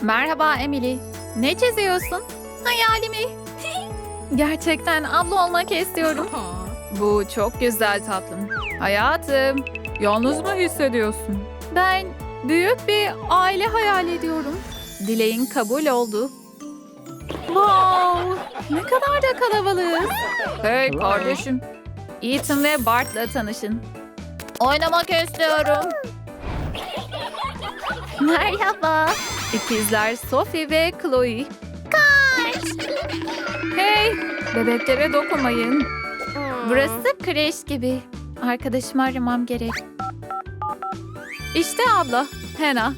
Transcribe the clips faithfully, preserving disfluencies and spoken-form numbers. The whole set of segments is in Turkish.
Merhaba Emily. Ne çiziyorsun? Hayalimi. Gerçekten abla olmak istiyorum. Bu çok güzel tatlım. Hayatım, yalnız mı hissediyorsun? Ben büyük bir aile hayal ediyorum. Dileğin kabul oldu. Wow, ne kadar da kalabalığız. Hey kardeşim. Ethan ve Bart'la tanışın. Oynamak istiyorum. Merhaba. İkizler Sophie ve Chloe. Kaç. Hey, bebeklere dokunmayın. Burası kreş gibi. Arkadaşımı aramam gerek. İşte abla, Hannah.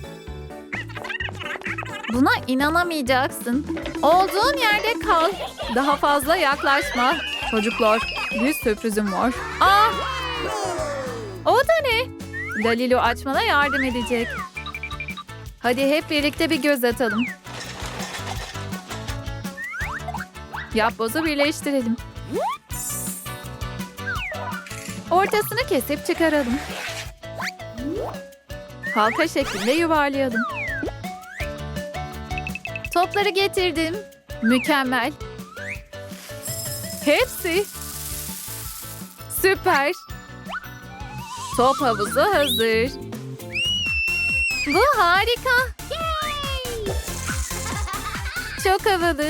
Buna inanamayacaksın. Olduğun yerde kal. Daha fazla yaklaşma. Çocuklar, bir sürprizim var. Aa! O da ne? Dalilu açmana yardım edecek. Hadi hep birlikte bir göz atalım. Yapbozu birleştirelim. Ortasını kesip çıkaralım. Halka şeklinde yuvarlayalım. Topları getirdim. Mükemmel. Hepsi. Süper. Top havuzu hazır. Bu harika. Çok havalı.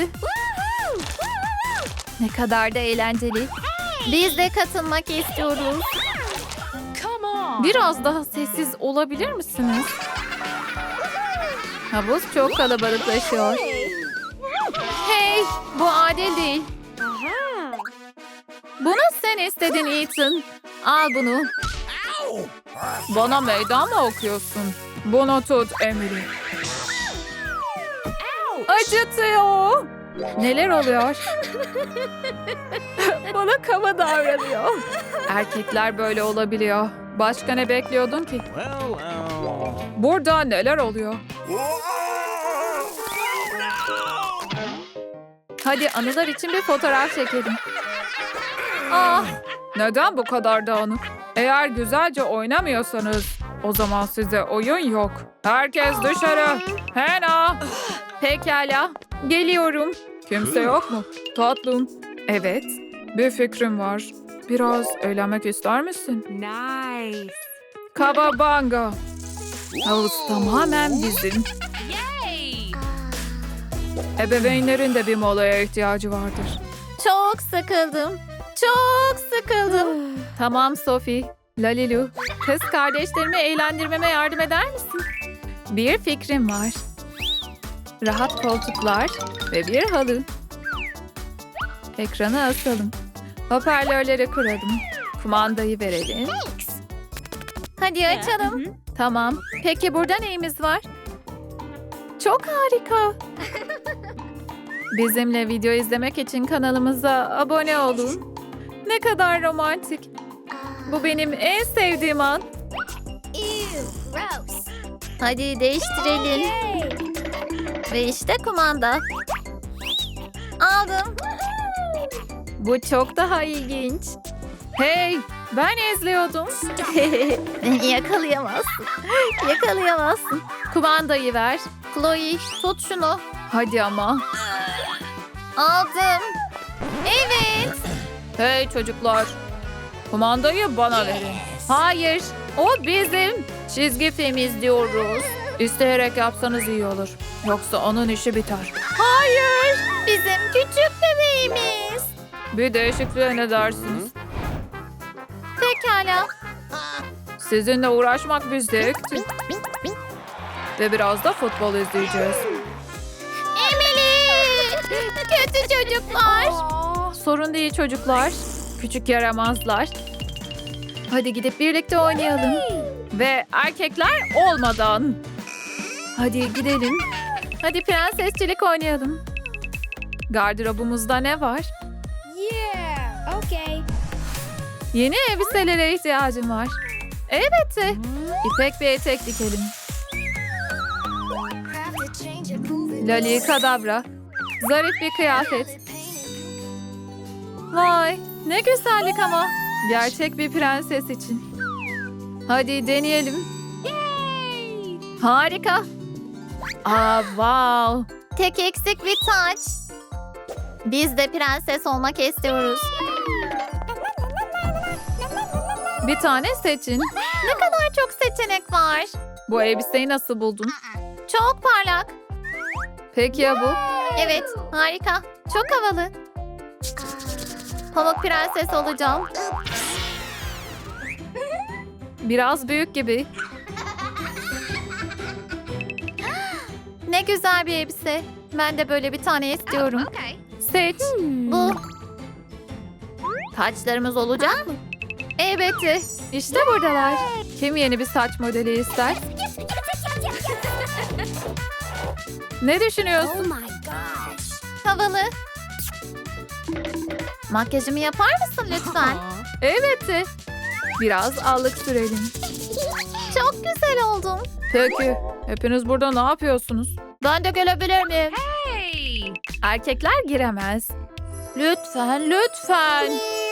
Ne kadar da eğlenceli. Biz de katılmak istiyoruz. Biraz daha sessiz olabilir misiniz? Havuz çok kalabalıklaşıyor. Hey, bu adil değil. Bunu sen istedin Ethan. Al bunu. Bana meydan mı okuyorsun? Bunu tut Emily. Acıtıyor. Neler oluyor? Bana kaba davranıyor. Erkekler böyle olabiliyor. Başka ne bekliyordun ki? Burada neler oluyor? Hadi anılar için bir fotoğraf çekelim. Ah, neden bu kadar dağınık? Eğer güzelce oynamıyorsanız o zaman size oyun yok. Herkes dışarı. Hannah. Pekala. Geliyorum. Kimse yok mu? Tatlım. Evet. Bir fikrim var. Biraz eğlenmek ister misin? Nice. Kababanga. Havuz tamamen bizim. Yay! Ebeveynlerin de bir molaya ihtiyacı vardır. Çok sıkıldım. Çok sıkıldım. Tamam Sophie. Lalilu, kız kardeşlerimi eğlendirmeme yardım eder misin? Bir fikrim var. Rahat koltuklar ve bir halı. Ekranı asalım. Hoparlörleri kuralım. Kumandayı verelim. Hadi açalım. Tamam. Peki burada neyimiz var? Çok harika. Bizimle video izlemek için kanalımıza abone olun. Ne kadar romantik. Bu benim en sevdiğim an. Hadi değiştirelim. Ve işte kumanda. Aldım. Bu çok daha ilginç. Hey, ben izliyordum. Beni yakalayamazsın. Yakalayamazsın. Kumandayı ver. Chloe, tut şunu. Hadi ama. Aldım. Evet. Hey çocuklar. Kumandayı bana verin. Hayır, o bizim. Çizgi film izliyoruz. İsteyerek yapsanız iyi olur. Yoksa onun işi biter. Hayır, bizim küçük bebeğimiz. Bir değişikliğe ne dersiniz? Pekala. Sizinle uğraşmak bir zevkti. Ve biraz da futbol izleyeceğiz. Emily! Kötü çocuklar. Sorun değil çocuklar. Küçük yaramazlar. Hadi gidip birlikte oynayalım. Ve erkekler olmadan. Hadi gidelim. Hadi prensesçilik oynayalım. Gardırobumuzda ne var? Yeah. Okay. Yeni elbiselere ihtiyacım var. Elbette. İpek bir etek dikelim. Lali kadabra. Zarif bir kıyafet. Vay, ne güzellik ama. Gerçek bir prenses için. Hadi deneyelim. Harika. Aa, wow. Tek eksik bir taç. Biz de prenses olmak istiyoruz. Bir tane seçin. Ne kadar çok seçenek var. Bu elbiseyi nasıl buldun? Çok parlak. Peki ya bu? Evet, harika. Çok havalı. Pamuk prenses olacağım. Biraz büyük gibi. Ne güzel bir elbise. Ben de böyle bir tane istiyorum. Seç. Bu. Taçlarımız olacak mı? Elbette. İşte buradalar. Kim yeni bir saç modeli ister? Ne düşünüyorsun? Havalı. Makyajımı yapar mısın lütfen? Elbette. Biraz allık sürelim. Çok güzel oldum. Peki. Hepiniz burada ne yapıyorsunuz? Ben de gelebilir miyim? Hey. Erkekler giremez. Lütfen, lütfen.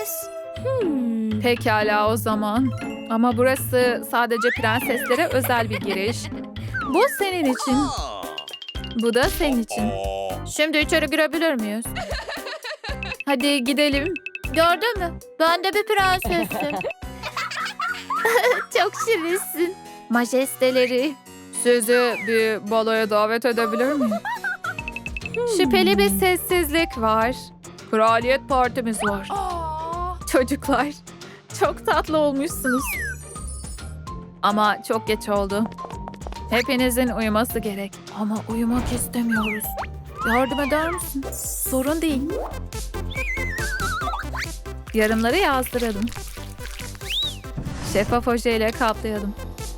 Pekala o zaman. Ama burası sadece prenseslere özel bir giriş. Bu senin için. Bu da senin için. Şimdi içeri girebilir miyiz? Hadi gidelim. Gördün mü? Ben de bir prensesim. Çok şirinsin. Majesteleri. Sizi bir baloya davet edebilir miyim? Şüpheli bir sessizlik var. Kraliyet partimiz var. Çocuklar, çok tatlı olmuşsunuz. Ama çok geç oldu. Hepinizin uyuması gerek. Ama uyumak istemiyoruz. Yardım eder misin? Sorun değil. Yarımları yazdıralım. Şeffaf ojeyle kaplayalım.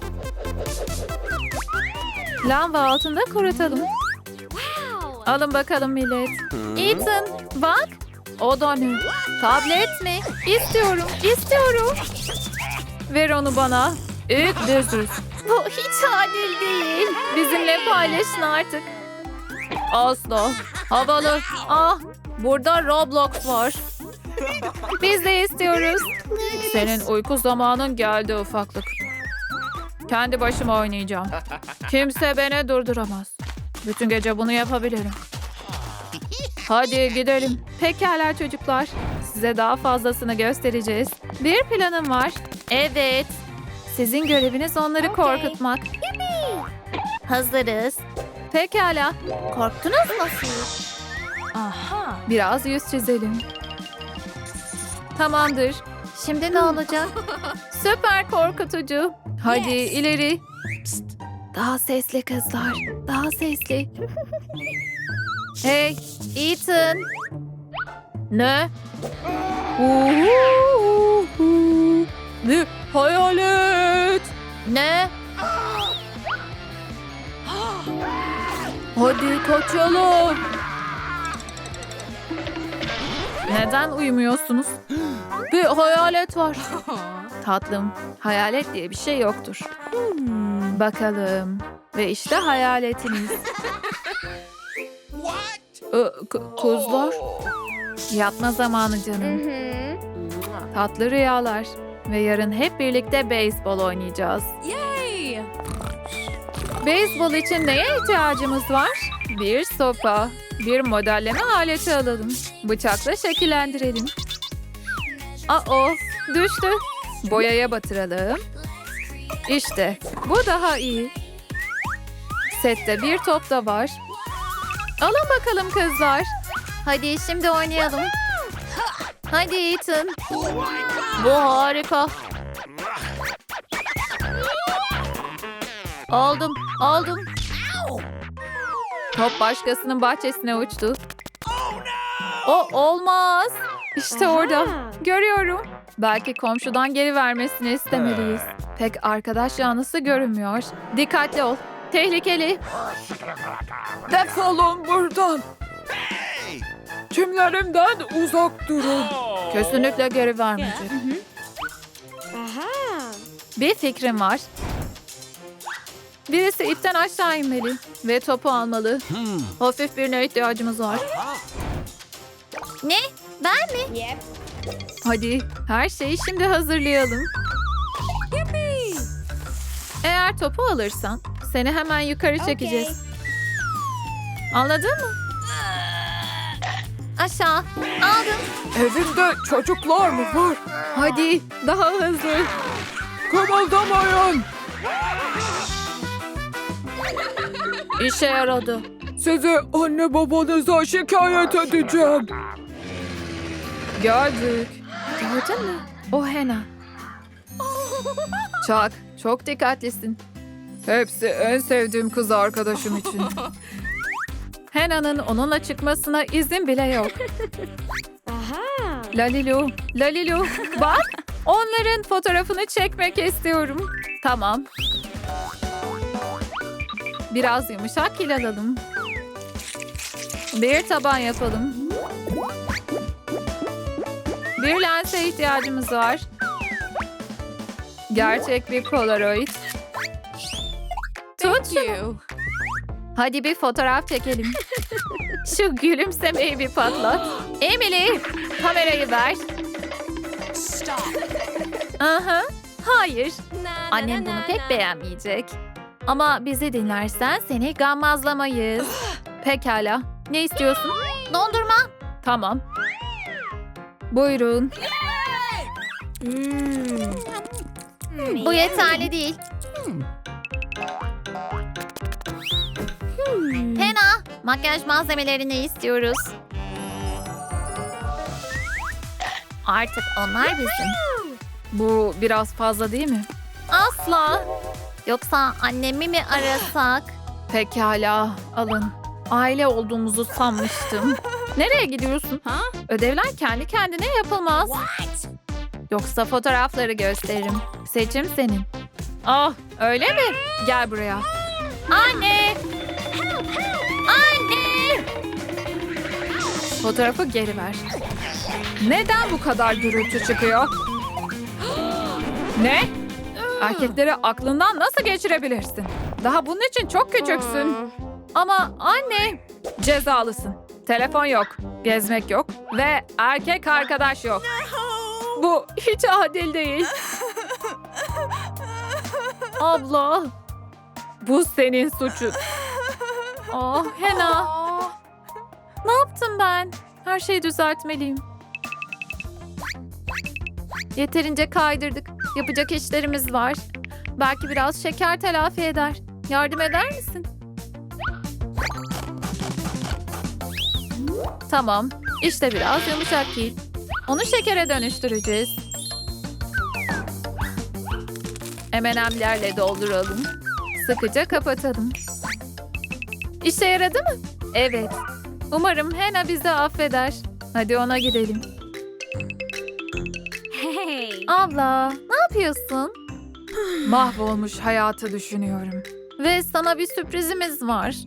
Lamba altında kurutalım. Alın bakalım millet. Ethan, bak. O da ne? Tablet mi? İstiyorum, istiyorum. Ver onu bana. İlk düzüz. Bu hiç adil değil. Bizimle paylaşın artık. Asla. Havalı. Ah, burada Roblox var. Biz de istiyoruz. Senin uyku zamanın geldi ufaklık. Kendi başıma oynayacağım. Kimse beni durduramaz. Bütün gece bunu yapabilirim. Hadi gidelim. Pekala çocuklar. Size daha fazlasını göstereceğiz. Bir planım var. Evet. Sizin göreviniz onları Okey. korkutmak. Hazırız. Pekala. Korktunuz mu siz? Aha. Biraz yüz çizelim. Tamamdır. Şimdi ne olacak? Süper korkutucu. Hadi ileri. Psst. Daha sesli kızlar. Daha sesli. Hey, Ethan. Ne? Uhuhu. Ne? Hayalet. Ne? Hadi kaçalım. Neden uyumuyorsunuz? Bir hayalet var. Tatlım, hayalet diye bir şey yoktur. Bakalım. Ve işte hayaletiniz. Ee, k- Kuzlar. Yatma zamanı canım. Tatlı rüyalar. Ve yarın hep birlikte beyzbol oynayacağız. Yay. Beyzbol için neye ihtiyacımız var? Bir sopa, bir modelleme aleti alalım. Bıçakla şekillendirelim. Aa, düştü. Boyaya batıralım. İşte, bu daha iyi. Sette bir top da var. Alın bakalım kızlar. Hadi şimdi oynayalım. Hadi Ethan. Bu harika. Aldım, aldım. Top başkasının bahçesine uçtu. O olmaz. İşte orada. Görüyorum. Belki komşudan geri vermesini istemeliyiz. Pek arkadaş yanlısı görünmüyor. Dikkatli ol. Tehlikeli. Defolun buradan. Kimlerimden uzak durun. Kesinlikle geri vermeyecek. Bir fikrim var. Birisi ipten aşağı inmeli ve topu almalı. Hafif birine ihtiyacımız var. Ne? Ben mi? Hadi her şeyi şimdi hazırlayalım. Eğer topu alırsan seni hemen yukarı çekeceğiz. Anladın mı? Aşağı. Aldım. Evinde çocuklar mı var? Hadi daha hızlı. Kımıldamayın. İşe yaradı. Sizi anne babanıza şikayet edeceğim. Gördük. Gördün mü? O Hena. Çak, çok dikkatlisin. Hepsi en sevdiğim kız arkadaşım için. Hena'nın onunla çıkmasına izin bile yok. Lalilu, Lalilu, bak. Onların fotoğrafını çekmek istiyorum. Tamam. Biraz yumuşak kil alalım. Bir taban yapalım. Bir lense ihtiyacımız var. Gerçek bir Polaroid. Tut şunu. Hadi bir fotoğraf çekelim. Şu gülümsemeyi bir patlat. Emily, kamerayı ver. Aha, hayır. Annem bunu pek beğenmeyecek. Ama bizi dinlersen seni gammazlamayız. Pekala. Ne istiyorsun? Dondurma. Tamam. Buyurun. Bu yeterli değil. Hena, makyaj malzemelerini istiyoruz. Artık onlar bizim. Bu biraz fazla değil mi? Asla. Yoksa annemi mi arasak? Pekala, alın. Aile olduğumuzu sanmıştım. Nereye gidiyorsun? Ha? Ödevler kendi kendine yapılmaz. Yoksa fotoğrafları gösteririm. Seçim senin. Ah, öyle mi? Gel buraya. Anne! Anne! Fotoğrafı geri ver. Neden bu kadar gürültü çıkıyor? Ne? Erkekleri aklından nasıl geçirebilirsin? Daha bunun için çok küçüksün. Ama anne, cezalısın. Telefon yok, gezmek yok ve erkek arkadaş yok. Bu hiç adil değil. Abla, bu senin suçun. Oh Hena. Ne yaptım ben? Her şeyi düzeltmeliyim. Yeterince kaydırdık. Yapacak işlerimiz var. Belki biraz şeker telafi eder. Yardım eder misin? Tamam. İşte biraz yumuşak kil. Onu şekere dönüştüreceğiz. M and M'lerle dolduralım. Sıkıca kapatalım. İşe yaradı mı? Evet. Umarım Hena bizi affeder. Hadi ona gidelim. Hey. Abla, ne yapıyorsun? Mahvolmuş hayatı düşünüyorum. Ve sana bir sürprizimiz var.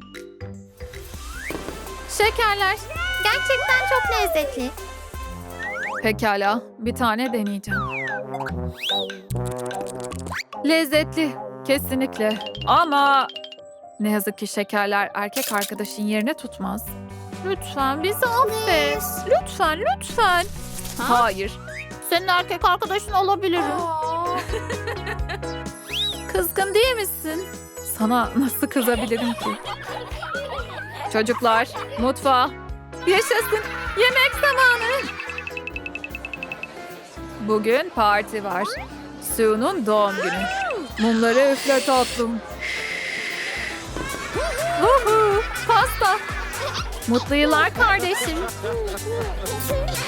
Şekerler. Gerçekten çok lezzetli. Pekala, bir tane deneyeceğim. Lezzetli, kesinlikle. Ama ne yazık ki şekerler erkek arkadaşın yerini tutmaz. Lütfen bizi affet. Lütfen, lütfen. Hayır. Senin erkek arkadaşın olabilirim. Kızgın değil misin? Sana nasıl kızabilirim ki? Çocuklar, mutfağa. Yaşasın, yemek zamanı. Bugün parti var. Sue'nun doğum günü. Mumları üfle tatlım. Vuhu, pasta. Mutlu yıllar kardeşim.